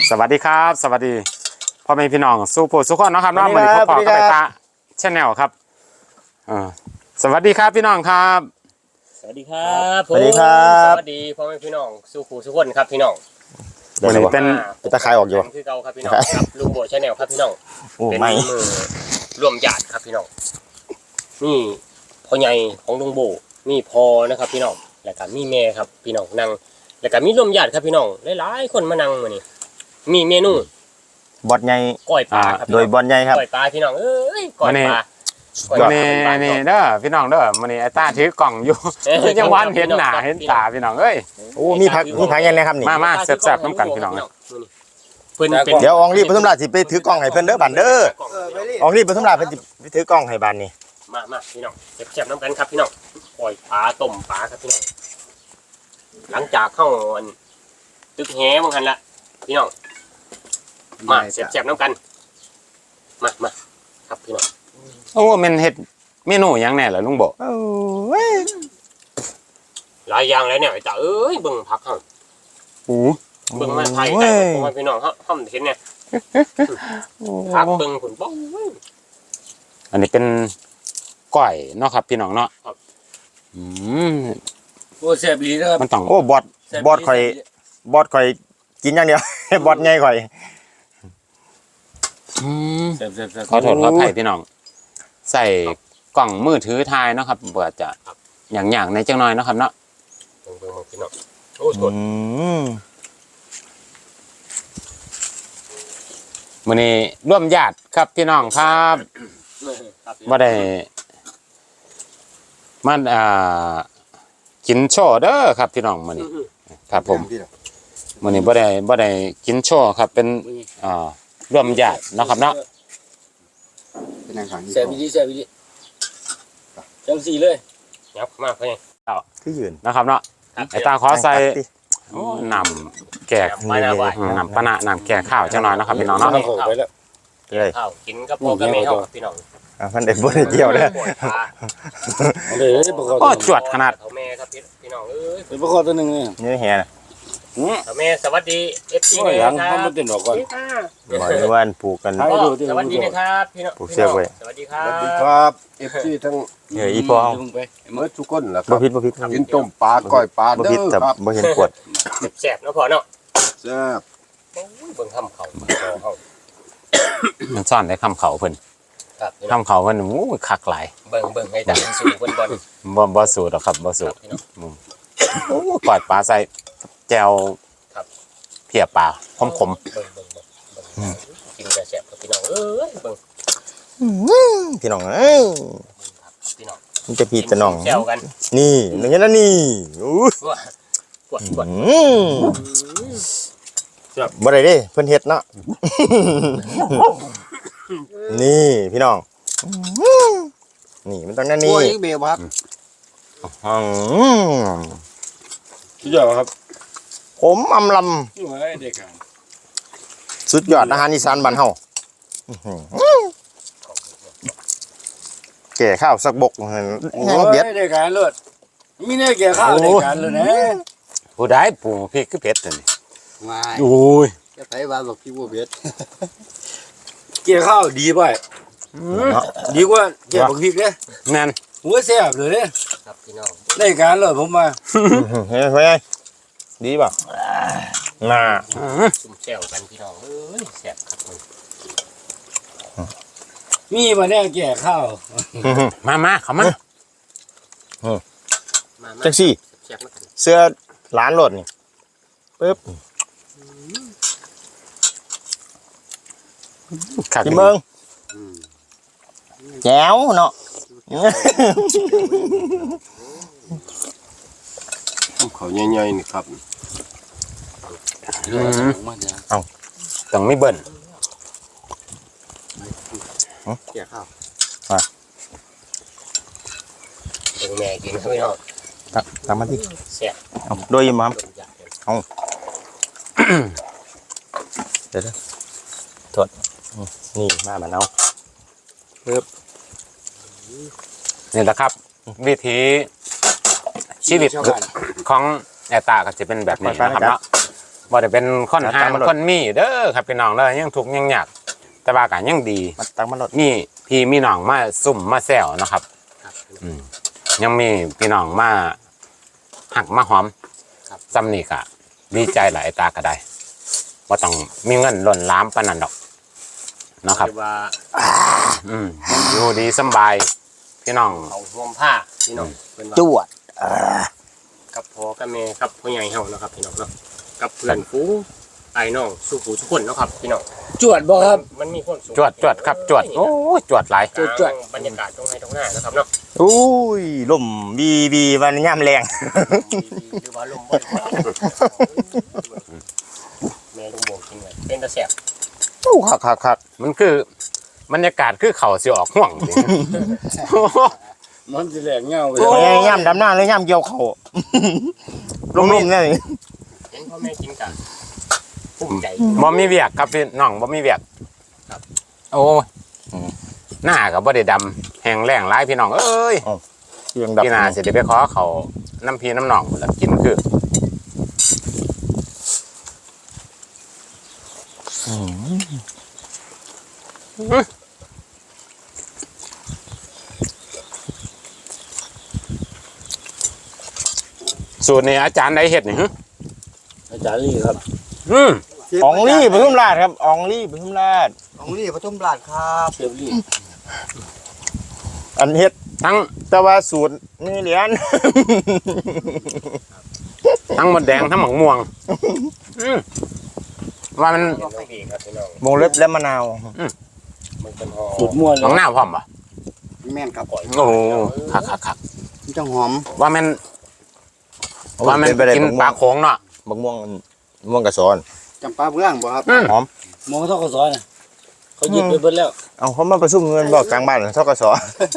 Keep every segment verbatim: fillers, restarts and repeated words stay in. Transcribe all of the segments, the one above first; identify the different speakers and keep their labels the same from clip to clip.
Speaker 1: สวัสดีครับสวัสดีพ่อแม่พี่น้องสู้ผู้สุขคนนะครับน้องมือนี้พ่อก็ไปตาแชนแนลครับสวัสดีครับพี่น้องครับ
Speaker 2: สวัสดีครับส
Speaker 3: วัสดีครับ
Speaker 2: สวัสดีพ่อแม่พี่น้องสู้ผู้สุขคนครับพี่น้อง
Speaker 1: วันนี้เป็น
Speaker 3: ตะไคร้ออกอยู่
Speaker 2: คือเก่าครับพี่น้องครับลุงโบชาแนลครับพี่น้องเป็นมือร่วมญาติครับพี่น้องนี่พ่อใหญ่ของลุงโบนี่พอนะครับพี่น้องแล้วก็มีแม่ครับพี่น้องนั่งแล้วก็มีร่วมญาติครับพี่น้องหลายๆคนมานั่งมื้อนี้มีเมนู
Speaker 3: บอดใหญ่
Speaker 2: ก้อยปลาครับ
Speaker 3: โดยบอดใหญ่ครับ
Speaker 2: ก้อยปลาพี่น้องเอ้ยก้อยปลา
Speaker 1: วันนี้นี่เด้อพี่น้องเด้อวันนี้ไอ้ตาถือกล่องอยู่ยังวันเห็นหน้าเห็นตาพี่น้องเอ้ย
Speaker 3: โอ้มีผักมีผักยังไงครับนี่
Speaker 1: มามาแซ่บๆน้ำกันพี่น้อง
Speaker 3: เดี๋ยวอองรีบปทุมราชสิไปถือกล้องให้เพิ่นเด้อบันเด้ออองรีบปทุมราชเพิ่นสิไปถือกล้องให้บันนี่
Speaker 2: มามาพี่น้องแซ่บๆน้ำกันครับพี่น้องก้อยปลาต้มปลาครับพี่น้องหลังจากเข้าตึกแหมั้งหันละพี่น้องมาเสียบๆน้ำกันมามาครับพี่น้อง
Speaker 1: โอ้มันเฮ็ดเมนูยังแน่เหรอลุงโบ
Speaker 3: โอ้ย
Speaker 2: หลายอย่างแล้วเนี่ยไอ้ตาเอ้ยเบิ่งผักเฮา
Speaker 1: โอ้
Speaker 2: เบิ่งมาไทยแต่ผมว่าพี่น้องเฮาเฮาเห็นเนี่ยผักเบิ่งผลบ่
Speaker 1: อันนี้เป็นก้อยเนาะครับพี่น้องเนาะอืม
Speaker 4: โอ้แซ่บดีนะครับ
Speaker 1: มันต้อง
Speaker 3: โอ้บอดบอดข่อยบอดข่อยกินอย่างเดียวบอดใหญ่ข่อย
Speaker 1: อืมขอโทษขออภัยพี่น้องใส่กล่องมือถือถ่ายเนาะครับเปิดจะอย่างๆในจังน้อยเนาะครับเนาะ
Speaker 2: เบิ่งๆพี่น้องโอ้สด
Speaker 1: มื้อนี้ร่วมญาติครับพี่น้องครับบ่ได้มันอ่ากินโชว์เด้อครับพี่น้องมื้อนี้ครับผมมื้อนี้บ่ได้บ่ได้กินโชว์ครับเป็นอ่าร่วมญาติเนาะครับเนาะ
Speaker 4: แซ่บดีแซ่บดีจังสี่เลย
Speaker 2: ยับมาเพิ่น
Speaker 3: คือยืน
Speaker 1: นะครับเนาะไอ้ตาขอใส่น้ำแกงน้ำปะนะน้ำแกงข้าวจังหน่อยนะครับพี่น้องเนาะ
Speaker 3: ไปแล้ว
Speaker 2: เลยข้าวกินกับพ่อกับแม่เฮาพี่น้อง
Speaker 3: อ่ะเพิ่นได้บ่ได้เกี่ยวเด้อ
Speaker 1: โอ้จวดขนาด
Speaker 2: แม่ครับพี่น้องเอ้ย
Speaker 4: เป็นประกอบตัวนึงนี่
Speaker 3: นี่แฮน่ะ
Speaker 2: แม่สวัสดี เอฟ ซี
Speaker 4: แม่ครับมันเป็นดอกก่อน
Speaker 3: บ่ได้ว่าปลูกกัน
Speaker 2: สวัสดีนะครับพี่น้อง
Speaker 3: ปลูกเสียไว้
Speaker 2: สวัสดีครับ
Speaker 4: สวัสดีครับ เอฟ ซี ทั้ง
Speaker 3: เฮ้ยอีพ่อ
Speaker 4: เมื่อทุกคนล่ะค
Speaker 3: รับบ่ผิดบ่ผิด
Speaker 4: กินต้มปลาก้อยปลาเด้อครับ
Speaker 3: บ่เห็นปวด
Speaker 2: แซ่บๆเนาะพ่อเนาะ
Speaker 4: แซ่บ
Speaker 2: โอ้ยเบิ่งคำเขาเฮา
Speaker 1: มันซ่อนได้คำเขาเพิ่น
Speaker 2: ครับ
Speaker 1: คำเขาเพิ่นโอ้คักหลาย
Speaker 2: เบิ่งเบิ่งให้ดังสู่เพิ่นบ่
Speaker 1: บ่บ่สูตรหรอกครับบ่สูตรโอ้กอดปลาใส่แจ่วเพียปลาขมขม
Speaker 2: กินกระแสบกับพี่น้องเอ้ยเบิ่ง
Speaker 3: พี่น้องเอ้ย
Speaker 2: พี่น้อง
Speaker 3: มันจะพี่จะน้อง
Speaker 2: แซวกัน
Speaker 3: นี่อย่างนี้นะนี่อู้
Speaker 2: กวดกวด
Speaker 3: บ่ได้เด้เพิ่นเฮ็ดเนาะนี่พี่น้องนี่มันต้องนั่นนี่
Speaker 4: โอ้ยเบลครับ
Speaker 3: อืม
Speaker 4: สุดยอดครับ
Speaker 3: ผมอำลำสุดยอดอาหารอีสานบ้านเฮาแก่ข้าวสักบกแห้งเบียด
Speaker 4: ได้การเลิศมีแน่แก่ข้าวได้การเลยนะ
Speaker 1: ผู้ใดปลูกพริกคือเผ็ดตัวนี้
Speaker 4: โอ้ยจะไปว่าบอกพี่บัวเบ็ดแก่ข้าวดีป่ะดีกว่าแก่บักพริกเนี่ย
Speaker 1: แม่น
Speaker 4: หัวแซ่บเลยเนี่ย
Speaker 2: ครับพี่น้อง
Speaker 4: ได้การเลยผมมา
Speaker 3: เฮ้ยเฮ้ยดีป่ะน่า
Speaker 2: ซุ่มแซวกันพี่น้องเอ้ยแซ่บครับมึง
Speaker 4: มีมาแน่แก่ข้าว
Speaker 1: มามาเข้ามา
Speaker 3: จังซี่เสื้อร้านรถนี่ปึ๊บกินเบิ่งแจ๋วเนาะ
Speaker 4: เขาใหญ่ๆนี่ครับ
Speaker 1: เอาต้องไม่เบิ่น
Speaker 2: แก่ข้าวเบิ่งแม่กินครับพี่น้อง
Speaker 3: ตักตักมาดิ
Speaker 2: แซ่บ
Speaker 3: เอาโดยมั้งเอาเดี๋ยวๆถอดนี่มาบ้านเอาปึ๊บ
Speaker 1: นี่แหละครับวิธีชีวิตของแอตตาก็จะเป็นแบบนี้นะครับเนาะบ่ได้เป็นคนหางคนมีเด้อครับพี่น้องเด้อยังทุกข์ยังยากแต่ว่าก็ยังดี
Speaker 3: มันตังมันลด
Speaker 1: มีพี่มีน้องมาซุ่มมาแซวนะครับ
Speaker 2: ครับ
Speaker 1: อืมยังมีพี่น้องมาหักมาหอม
Speaker 2: ครับ
Speaker 1: ซ้ำนี่ก็ดีใจหลายตาก็ได้ว่าต้องมีเงินหล่นล้ามปานนั้นดอกเนาะครับ
Speaker 2: เรียกว่า
Speaker 1: อืมอยู่ดีสำบายพี่น้อง
Speaker 2: เอาห่มผ้าพี่น้องเป็นว่า
Speaker 3: จวดอ่า
Speaker 2: กับพ่อกับแม่กับพ่อใหญ่เฮานะครับพี่น้องเนาะกับเพื่อนฝูงไอ้น้องสู้ผู้ทุกคนเนาะครับพี่น้อง
Speaker 4: จวดบ่ครับ
Speaker 2: มันมีคนสูง
Speaker 1: จวดจวดครับจวดโอ้ยจวดหลาย
Speaker 2: จวดจวดบรรยากาศตรงไหนตรงหน้านะครับเนาะ
Speaker 3: อุ้ยลมบีบีวันย่ำแรง
Speaker 2: หรือว่าลมบ่อยแม่ลุงโบกินเลยเป็นตะแสบ
Speaker 3: โอ้คักคักคัก
Speaker 1: มันคือบรรยากาศคือเขาสิออกห่วงจริง
Speaker 4: มันสิแหลกเงาไป
Speaker 3: โอ้ยย่ำดำหน้าเลยย่ำเกี่ยวเขาลมลมเนี่ย
Speaker 2: เห็นพ่อแม่กินกันภูมิใจ
Speaker 1: บ่มีเวียกครับพี่น้องบ่มีเวียก
Speaker 2: ครับ
Speaker 1: โอ้ยหน้าก็บ่ได้ดำแห้งแล้งหลายพี่น้องเอ้ย
Speaker 3: เสียงดับ
Speaker 1: พี่นาสิได้ไปขอเขาน้ำพีน้ำหนองแล้วกินคือสูตรนี้อาจารย์ได้เห็ดนี่ฮะ
Speaker 4: อาจารย์ลี่ครับ
Speaker 1: อืม
Speaker 3: อองลี่ปทุมราชครับอองลี่ปทุมราช
Speaker 5: ของนี่ปทุมราชครับ
Speaker 4: เชฟลี่
Speaker 3: อันเฮ็ด
Speaker 1: ทั้ง
Speaker 3: แต่ว่าสูตรมีเหรียญ
Speaker 1: ทั้งหมดแดงทั้งหมกม่วงอืมว่ามัน
Speaker 2: น้องเองครับพี่น้อง
Speaker 3: วงเล็บและมะนาว
Speaker 2: มันเป็นห่อ
Speaker 4: สุดม่วนเล
Speaker 1: ของ
Speaker 4: ย
Speaker 1: หน้าพร้อมป่ะ
Speaker 5: แม่นครับ
Speaker 1: โอ้โหคักคักคัก
Speaker 5: มันจะหอม
Speaker 1: ว่ามันว่ามัน
Speaker 3: เป็ไปได้
Speaker 1: กิน
Speaker 3: บัก
Speaker 1: ป
Speaker 3: ม่ว
Speaker 1: ลาง โค้งเนาะ
Speaker 3: บักม่วงม่วงกระสอน
Speaker 5: จำปาเบื้องบ่ครับ
Speaker 1: อืม
Speaker 3: หอม
Speaker 4: มองเขาทอกกระสอนน่ะเขาหยิบไปเบิดแล้ว
Speaker 3: เอาเขามาประชุมเงินบอกกลางบ้านทกส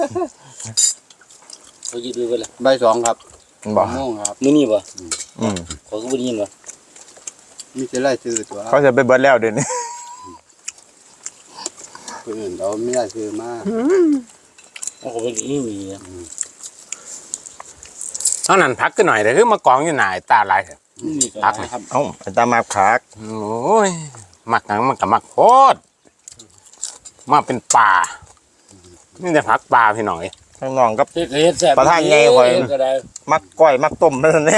Speaker 4: เขาหยิบไปเบิดแล้ว
Speaker 5: ใบสองครับ
Speaker 3: บอก
Speaker 5: ม่วงครับ
Speaker 4: มื้อนี้บ่
Speaker 3: อืม
Speaker 4: เขาก็บ่ได้ยินบ่
Speaker 5: มีแต่ไล่ซื้อตัว
Speaker 3: เขาจะไปเบิดแล้วเดี๋ยวนี้
Speaker 5: คนอื่นเราไม่ได้ซื้อมา
Speaker 4: เขาก็บ่ได้ยินนี่นะ
Speaker 1: เท่านั้นพักขึ้นหน่อยแต่คือมากองอยู่หน่ายตาลายเถอะ
Speaker 4: นี่ก็
Speaker 1: พักไหม
Speaker 4: ครับ
Speaker 3: เอ้าไอ้ตามาขาก
Speaker 1: โอ้ยมักหนังมันกับมักโคตรมาเป็นป่านี่จะพักปลาพี่หน่อย
Speaker 3: ข้างนองกับ
Speaker 4: เฮ็ดก็เฮ็ดแซ่บ
Speaker 3: ประธานใหญ่กว่า
Speaker 4: เฮ็ดก็ได้
Speaker 3: มักก้อยมักต้มนั่นนี่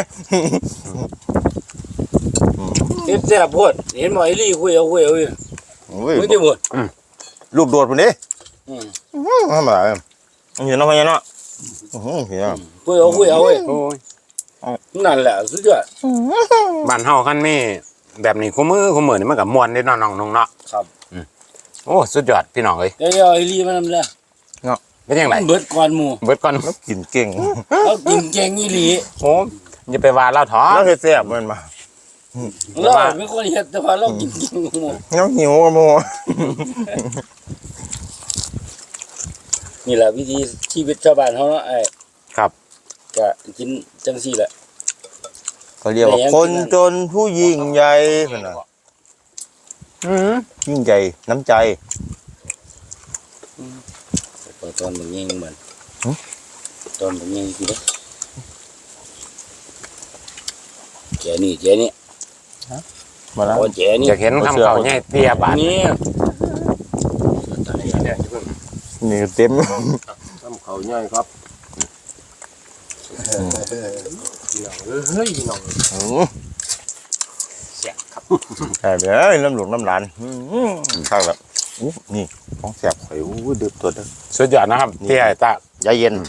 Speaker 4: เฮ็ดแซ่บโพดเห็นบ่ไอ้ลี่คุยเอาคุยเอาอยู่
Speaker 3: โอ้ย
Speaker 4: มึงสิบ่
Speaker 3: รูปโดดพุ่นดิ
Speaker 4: อืม
Speaker 3: ทำไมเห็นเนาะพ่อเนาะอื้อหือเห็นเนาะ
Speaker 4: คุยเอาคุยเอาเว้ย
Speaker 1: โอ้ย
Speaker 4: นั่นแหละสุดยอด
Speaker 1: บ้านเฮาคันมีแบบนี้คู่มือคู่มือนี่มันกับมวนเด้เนาะน้องนุ่งเนาะ
Speaker 4: ครับ
Speaker 1: โอ้สุดยอดพี่น้องเอ้ย
Speaker 4: เดี๋ยวเอาไอ้ลี่มานำแล้ว
Speaker 1: เป็นยังไง
Speaker 4: เบิดก่อนหมู่
Speaker 1: เบิดก่อน
Speaker 3: แล้วกินเก่ง
Speaker 4: เรากินเก่งอีหลี
Speaker 1: โอ้อย่าไปว่าเล่าท้อ
Speaker 3: แล้วเฮ็ดแซ่บมันมา
Speaker 4: เราเป็นคนเฮ็ดแต่ว่าเรากินเก่งหมู่
Speaker 3: แล้วหิวกับโม
Speaker 4: นี่แหละวิธีชีวิตชาวบ้านเฮาเนาะไอ้
Speaker 1: ครับ
Speaker 4: ก็กินจังซี่แหละ
Speaker 3: เขาเรียกว่าคนจนผู้ยิ่งใหญ่พุ่นน่ะ
Speaker 1: อืม
Speaker 3: ยิ่งใหญ่น้ำใจ
Speaker 4: ตอนมันยิงเหมือน
Speaker 3: หึ
Speaker 4: ตอนมันยิงสิเด้แจนี่แจนี่
Speaker 3: มาแล้ว
Speaker 4: โอ้แจนี่
Speaker 1: อยากเห็นคำเขาใหญ่เตี้ยบาด
Speaker 4: นี่
Speaker 3: นี่เต็ม
Speaker 2: น้ำเขาใหญ่ครับพี่น้องเฮ้ยพี่น้อง
Speaker 3: อื้อ
Speaker 2: แซ่บครับ
Speaker 3: ใช่เลยน้ำหลวงน้ำหลานอื้อข้างแบบอู้นี่ของแซ่บข่อยอู้ดึบตัวเด้อ
Speaker 1: สุดยอดนะครับพี่ไอ้ตาย
Speaker 3: าเย็น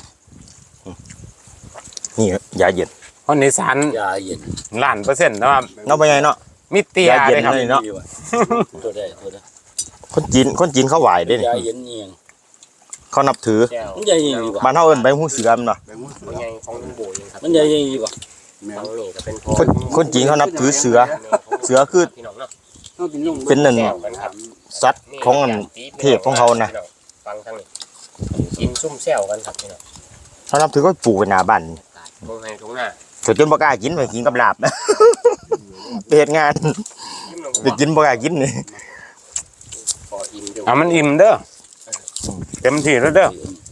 Speaker 3: นี่ยาเย็น
Speaker 1: คนอีสาน
Speaker 4: ยาเย็น
Speaker 1: ล้านเปอร์เซ็นต์นะว่า
Speaker 3: เนาะไปไงเนาะ
Speaker 1: มีเตี้ย
Speaker 3: ยาเย็น
Speaker 1: เลยครับ
Speaker 3: เลยเนาะ
Speaker 4: ตัวได้ตัวได้
Speaker 3: คนจีนคนจีนเขาไหวได้นี่
Speaker 4: ยาเย็นเอียง
Speaker 3: เขานับถือ
Speaker 2: แก้ว
Speaker 4: มันยาเย็นดีกว่า
Speaker 3: บ้านเฮาเอิ้นใบหูเสือมนเนาะ
Speaker 5: ไปมุ้ง
Speaker 2: พ่อใหญ่ของลุงโบเองครับ
Speaker 4: มันยาเย็นดีกว่า
Speaker 5: แม่น
Speaker 2: ฟังนี่ก็เป็นพ่อ
Speaker 3: คนคนจีนเขานับถือเสือ เสือคือ
Speaker 2: พี่น้องเนาะ
Speaker 5: ต้องกินลุง
Speaker 3: เป็นหนึ่ง
Speaker 2: แก้วกันครับ
Speaker 3: สัตว์ของอันเทพของเขานะ
Speaker 2: ฟังทางนี้กินซุ่มแซวกันครับพี่น้อง
Speaker 3: เขานับถือก็ปลูกไว้หน้าบ้าน
Speaker 2: ตรงไหนตรงหน้า
Speaker 3: ก็จนบ่กล้ากินไปกินกับลาบ ไปเฮ็ดงาน
Speaker 2: ยิ้มลง
Speaker 3: ไปกินบ่กล้ากินนี่
Speaker 2: พออิ่มเดี๋ยว
Speaker 1: เอามันอิ่มเด้อเต็มที่แล้วเด้อ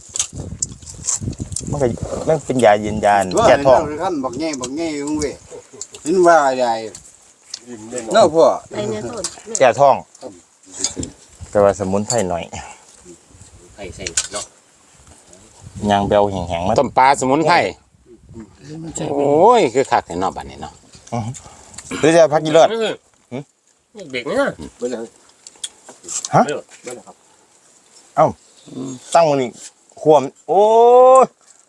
Speaker 3: มันก็มันเป็นยาเย็นยา
Speaker 5: ว่า
Speaker 3: แก้ท้อง
Speaker 5: ขั้นบอกแง่บอกแง่ลุงเว้ยเห็นว่าใหญ่เนาะพ่อ
Speaker 6: ไปเนี่ยต้น
Speaker 3: แก่ท้องแต่ว่าสมุนไพรหน่อย
Speaker 2: ไข่ใส่เนาะ
Speaker 3: ยางเบลแห้งๆมา
Speaker 1: ต้มปลาสมุนไพรโอ้ยคือคักในนอกบ้านนี่เนาะ
Speaker 3: หรือจะพักกินเลิศ
Speaker 2: เด็กเนี่ย
Speaker 5: เบิ่งเลย
Speaker 3: ฮะ
Speaker 5: เบิ่งเลยครับ
Speaker 3: ตั้งมันนี่ควมโอ้ย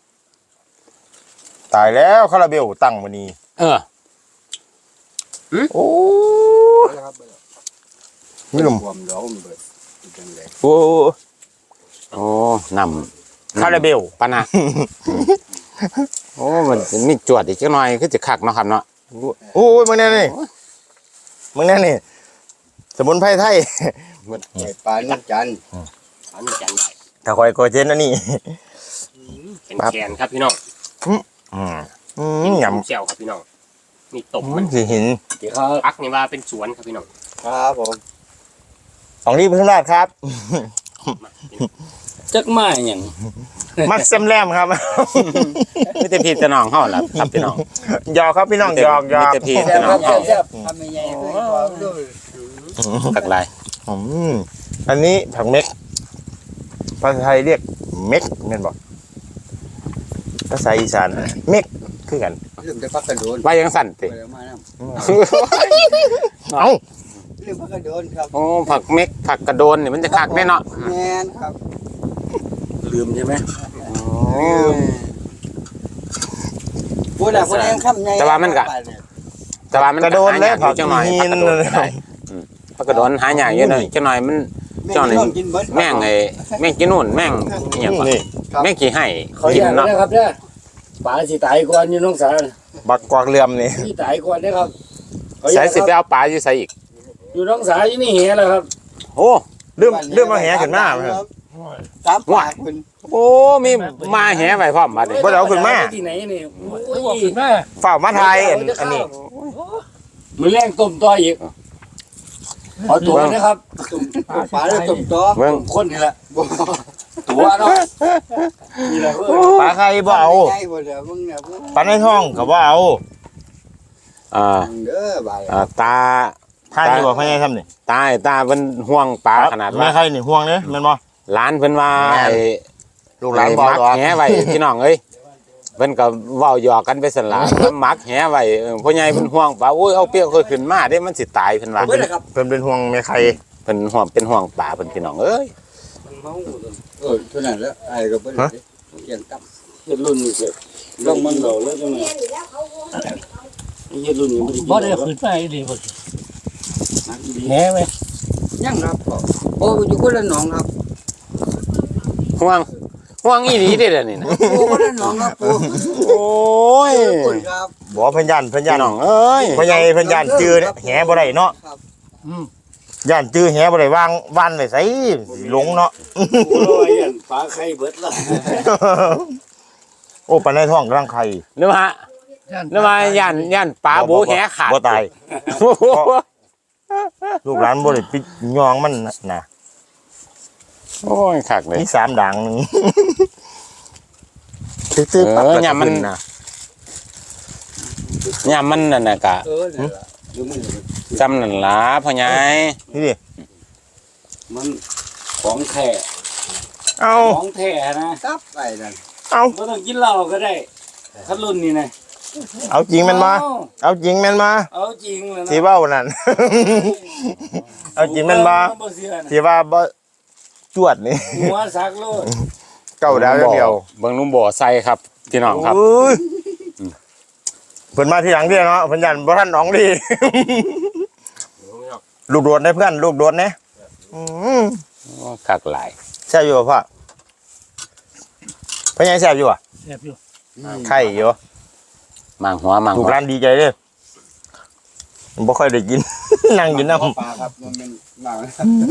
Speaker 3: ตายแล้วคาราเบลตั้งมันนี่
Speaker 1: เออ
Speaker 3: โอ้
Speaker 5: เบิ่งเลยครับเบิ่งเลย
Speaker 3: ไม่ลม
Speaker 5: ความร้อนมันเบิดเป็นจังได๋
Speaker 3: โอ้
Speaker 1: โอ้นำ
Speaker 3: คาราเบล
Speaker 1: ปะนะโอ้มันมีจวดอีกจักหน่อยคือจะคักเนาะครับเนาะ
Speaker 3: โอ้ยมึงแน่นี่มึงแน่นี่สมุนไพรไทย
Speaker 5: ไข่ปลาน้ำจันทร์
Speaker 2: อันนี้จันได้
Speaker 3: ถ้าคอยโกเจนนะนี่
Speaker 2: เป็นแกนครับพี่น้อง
Speaker 3: อืมอืมย
Speaker 2: เจียวครับพี่น้องนี่ตบ
Speaker 3: ำ
Speaker 2: มั
Speaker 3: มัน นสิเห็น
Speaker 4: เดี๋ยวครับ
Speaker 2: พักนี่ว่าเป็นสวนครับพี่น้อง
Speaker 5: ครับผม
Speaker 3: ของรีบพึ่งราดครับ
Speaker 4: จักมาอย่าง
Speaker 3: มัดเซมแรมครับ
Speaker 1: มีแต่พี่แต่น้องเฮาล่ะครับพี่น้อง
Speaker 3: หยอกครับพี่น้องหยอกหย
Speaker 1: มี
Speaker 3: อก
Speaker 1: แต่พี่แต่น้องเฮา
Speaker 5: ทำใหญ่ๆด้วยความด้วย
Speaker 1: คักหลาย
Speaker 3: อืมอันนี้ผักเม็กภาษาไทยเรียกเม็กเห็นบอกภาษาอีสานเม็กคือกัน
Speaker 5: เรื่องได้พักกระโดน
Speaker 1: ว่ายังสั่นติ
Speaker 5: ไปเอามานํ
Speaker 3: เอ้า
Speaker 5: เรื่องพักกระโดนครับ
Speaker 1: โอ้ผักเม็กผักกระโดนนี่มันจะคักแน่เนาะ
Speaker 5: แม่นครับ
Speaker 4: ลืมใช่ไหม
Speaker 5: พูดน่ะพูดยังคำใหญ่
Speaker 1: แต่ว่ามันก็แต่ว่ามัน
Speaker 3: กระโดนแล้ว
Speaker 1: หา
Speaker 3: ผั
Speaker 1: ยาก อยู่จังหน่อย
Speaker 3: หิ
Speaker 1: ผัก
Speaker 3: น
Speaker 1: กระโดนก็ได้อืมผักกระโดนหายากอยู่หน่อยจังหน่อยมัน เจ้านี่
Speaker 5: กินเบิด
Speaker 1: แม่งไอ้แม่งกินนู่นแม่งอหย่างก่อน
Speaker 3: นี่
Speaker 1: แม่งขี้ให้
Speaker 4: เขา
Speaker 1: กิ
Speaker 4: อน ยาก
Speaker 1: เนาะ
Speaker 4: นะครับเนี่ยปลาสิตายก่อนอยู่น้องสาว
Speaker 3: บักกวากเลื่อมนี่
Speaker 4: สิตายก่อนนะครับเขาอ
Speaker 1: ใส่
Speaker 4: ยาก
Speaker 1: สิไปเอาปลาอยู่ใส่อีก
Speaker 4: อยู่น้องสาวอยู่นี่เหี้ยแล้วครับ
Speaker 1: โอ้
Speaker 3: เริ่มเริ่มมาแหขึ้นมาครับ
Speaker 5: ตามปากเพิ่น
Speaker 1: โอ้มีมาแหไว้พร้อมบัดนี้
Speaker 3: บ่ได้เอาขึ้นมา
Speaker 4: ที่ไหนนี่โอ้ย
Speaker 3: ฝ่ามาไทยอันอันนี้
Speaker 4: มือแรงต้มต่ออีกขอตัวนะครับ
Speaker 5: ตุ่มปลาแล้วตุ่มตัว
Speaker 1: เบิ่ง
Speaker 4: คนนี่แหละ
Speaker 5: บ่
Speaker 4: ตัวเนาะนี่แหละเว้ย
Speaker 3: ปลาไข่บ่เอา
Speaker 5: ใหญ่บ่เด้อมึงเนี่ยมึง
Speaker 3: ปลาในท้องก็บ่เอา
Speaker 1: อ่า
Speaker 5: เด้อบาย
Speaker 1: อ่าตา
Speaker 3: ท่านนี่บอกให้ทำนี่
Speaker 1: ตาไอ้ตาเพิ่นห่วงปลาขนาด
Speaker 3: แม่
Speaker 1: ว่า
Speaker 3: ไข่นี่ห่วงเด้แม่นบ่
Speaker 1: หลานเพิ่นว่า
Speaker 3: แม่น
Speaker 1: ไอ้
Speaker 3: ลูกหลาน
Speaker 1: ไอ้
Speaker 3: บ่
Speaker 1: มัก
Speaker 3: ดอก
Speaker 1: แหไว้พี่น้องเอ้ยเพิ่นก็เว้าหยอกกันไปสั่นล่ะมักแหไว้เออพ่อใหญ่เพิ่นห่วงปลาโอ้ยเอาเปรี้ยวค่อยขึ้นมาเด้มันสิตายเพิ่นว่า
Speaker 5: เบิดเลยครับ
Speaker 3: เพิ่นเป็นห่วงแม่ไข่
Speaker 1: เพิ่นห่วงเป็นห่วงปลาเพิ่นพี่น้องเอ้ย
Speaker 5: เออเท่านั้นแล้วไอ้ก็เบิดเลยเกี่ยงตับ
Speaker 4: เฮ็ดรุ่นนี้เสร็จลงมันเราแล้วจังไงเฮ็ดรุ่นนี้บ่ได้ขึ้นไปดีบ่แหไหม
Speaker 5: ยังครับพ่อโอ้อยู่คนละหนองครับ
Speaker 1: ห่วงห่วงอีหลีเด้อเดี๋ยวนี่นะ
Speaker 5: โอ้คนละหนองครับปู่
Speaker 1: โอ้ย
Speaker 5: ขอบคุณครับ
Speaker 3: บ่เพิ่นย่านเพิ่นย่า
Speaker 1: พี่
Speaker 3: น
Speaker 1: น้องเอ้ย
Speaker 3: พ่อใหญ่เพิ่นย่านจื้อเนี่ยแหบ่ได้เนาะ
Speaker 5: ครับ
Speaker 3: ย่านจื้อแหบ่ได้วางวานไว้ไสหลงเนาะ
Speaker 4: โอ้ยอันปลาไข่เบิดละ
Speaker 3: โอ้ปลาในท้องกำลังไข่
Speaker 1: หรือว่าหรือว่าย่านย่านปลาบูแหขาด
Speaker 3: บ่ตาย
Speaker 1: โอ้โห
Speaker 3: ลูกหลานบ่ได้ปิดยองมันน่ะ
Speaker 1: โอ้ยคักเลย
Speaker 3: มีสามด่างหนึงตื้อๆปั๊บ
Speaker 1: เออ
Speaker 3: แล้ว
Speaker 1: เนี่ยมัน
Speaker 3: ขึ้น่ะ
Speaker 1: ย่ามมันนั่นน่ะกะ
Speaker 5: เออนี่นล่ะดูมือ
Speaker 1: จำนั่นล่ะพ่อใหญ่
Speaker 3: นี่ดิ
Speaker 4: มันของแท้
Speaker 3: เอา
Speaker 4: ของแท้นะ
Speaker 5: ตับไปนั่น
Speaker 3: เอา
Speaker 4: บ่ต้องกินเหล้าก็ได้คันรุ่นนี้นะ
Speaker 3: เอาจริงแม่นมาเอาจริงแม่นมา
Speaker 4: เอาจริงเลยนะ
Speaker 3: สิเว้านั่น เอาจริงแม่นมา
Speaker 4: บ่เชื่อนะ
Speaker 3: สิว่าบ่จวดนี่
Speaker 4: หัวสักโลด
Speaker 3: เก้าดาวอย่างเดียว
Speaker 1: เบิ่งลุงบ่อใส่ครับพี่น้องครับ
Speaker 3: โอ้ยเพิ่นมาทีหลังเด้เนาะเพิ่นยันบ่ทันน้องดี ลูกโดดได้เพื่อนลูกโดดเนี่ยอืม
Speaker 1: โอ้คักหลาย
Speaker 3: แซ่บอยู่บ่พ่อพ่อใหญ่แซ่บอยู่อ่ะ
Speaker 4: แซ่บอยู่
Speaker 3: ไข่อยู่
Speaker 1: มางหัวมาง
Speaker 3: ลู
Speaker 1: หั
Speaker 3: ก
Speaker 1: ว
Speaker 3: ร้านดีใจเด้อบ่ค่อยได้กิน นั่งกินน้ำ
Speaker 5: ปลาครับมันเป็นหมากนะ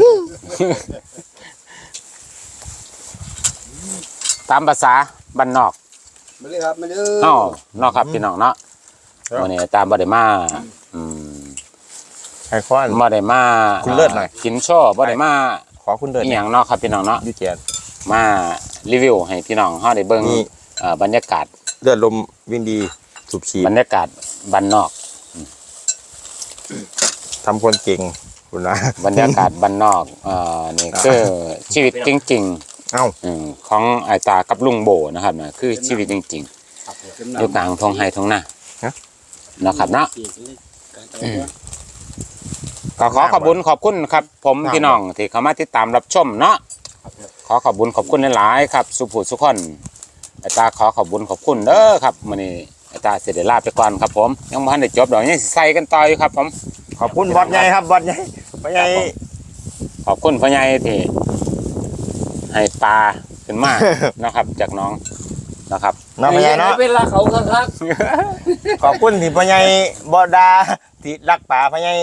Speaker 1: ตามภาษาบ้านนอก
Speaker 5: มาเลยครับมาเลย
Speaker 1: เอ้าเนาะครับพี่น้องเนาะวันนี้ตามบ่ได้มาอืม
Speaker 3: ไข่ข้อน
Speaker 1: บ่ได้มา
Speaker 3: คุณเลิศหน่อย
Speaker 1: กินโช่อบ่ได้มา
Speaker 3: ขอคุณเดิน
Speaker 1: อีหยังเนาะครับพี่น้องเนาะ
Speaker 3: ยูเจียน
Speaker 1: มารีวิวให้พี่น้องเฮาได้เบิ่ง
Speaker 3: นี่
Speaker 1: เอ่อบรรยากาศ
Speaker 3: เลือดลมวิ่งดีสูบฉีด
Speaker 1: บรรยากาศบ้านนอก
Speaker 3: ทำคนเก่งคุณนะ
Speaker 1: บรรยากาศบ้านนอกเอ่อนี่คือชีวิตจริง
Speaker 3: เอ้า
Speaker 1: ๆอืมของไอ้ตากับลุงโบนะครับนะคือชีวิตจริงๆอยู่กลางทงไห้ทงนานะครับเนาะก็ขอขอบคุณขอบคุณครับ ผมพี่น้องที่เข้ามาติดตามรับชมเนาะขอขอบคุณขอบคุณหลายๆครับสุภูสุขคนไอ้ตาขอขอบคุณขอบคุณเด้อครับมื้อนี้ไอ้ตาเสได็จลาไปก่อนครับผมยังบ่ทันได้จบดอกยังสิใส่กันต่ออยู่ครับผม
Speaker 3: ขอบคุณบอสใหญ่ครับบอสใหญ่บอสใหญ่
Speaker 1: ขอบคุณพ่อใหญ่ที่ให้ปลาขึ้นมา นะครับจากน้องนะครับ
Speaker 3: น้องพ่อใหญ่เนาะ
Speaker 4: เป็นลาเขาครับ
Speaker 3: ขอบคุณที่พ่อใหญ่บอดาที่รักป่าพ่อใหญ่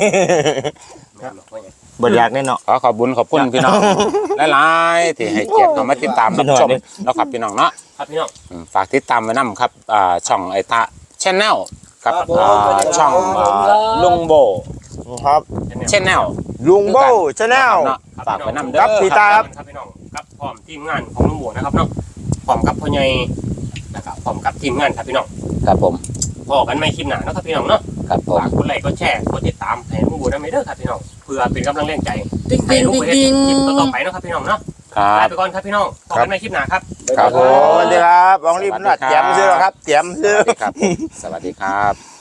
Speaker 3: บอดอยากแน่เนาะ
Speaker 1: ขอขอบคุณขอบคุณพี่น้องหลายๆที่ให้เกียรติเข้ามาติดตามรับชมนะครับพี่น้องเนาะ
Speaker 2: ครับพี่น้อง
Speaker 1: อืมฝากติดตามไว้นำครับอ่าช่องไอตาชแนลกับอ่าช่องอ่าลุงโบ
Speaker 3: ครับ
Speaker 1: ชแนล
Speaker 3: ลุงโบชาแนล
Speaker 1: ฝากไว้นำเด้อ
Speaker 3: ครับพี่ตา
Speaker 2: ครับพี่น้องกับพร้อมทีมงานของลุงโบนะครับเนาะพร้อมกับพ่อใหญ่นะครับพร้อมกับทีมงานครับพี่น้อง
Speaker 1: ครับผม
Speaker 2: พอกันไม่คลิปหนาเนาะครับพี่น้องเนาะ
Speaker 1: ครับผม
Speaker 2: ฝากกดไลค์กดแชร์กดติดตามให้ลุงโบได้ไหมเด้อครับพี่น้องเพื่อเป็นกำลังแรงใจ
Speaker 4: ติ๊ง
Speaker 2: ให้
Speaker 4: ติ๊ง
Speaker 2: ลุงโบ
Speaker 4: ติ๊ง
Speaker 2: เฮ็ด
Speaker 4: ติ๊ง
Speaker 2: คลิปต่อๆไปเนาะครับพี่น้องเนาะ
Speaker 1: ครั
Speaker 2: ลา
Speaker 1: บ
Speaker 2: ไปก่อนครับพี่น้องพบกันในคลิปหน้าครับ
Speaker 1: ครับผ
Speaker 3: โอ้
Speaker 1: ม
Speaker 3: สวัสดีครับบองรีบนัดเตรียมซื้อแล้วครับเตรียมซื้อ
Speaker 1: สวัสดีครับสวัสดีครับ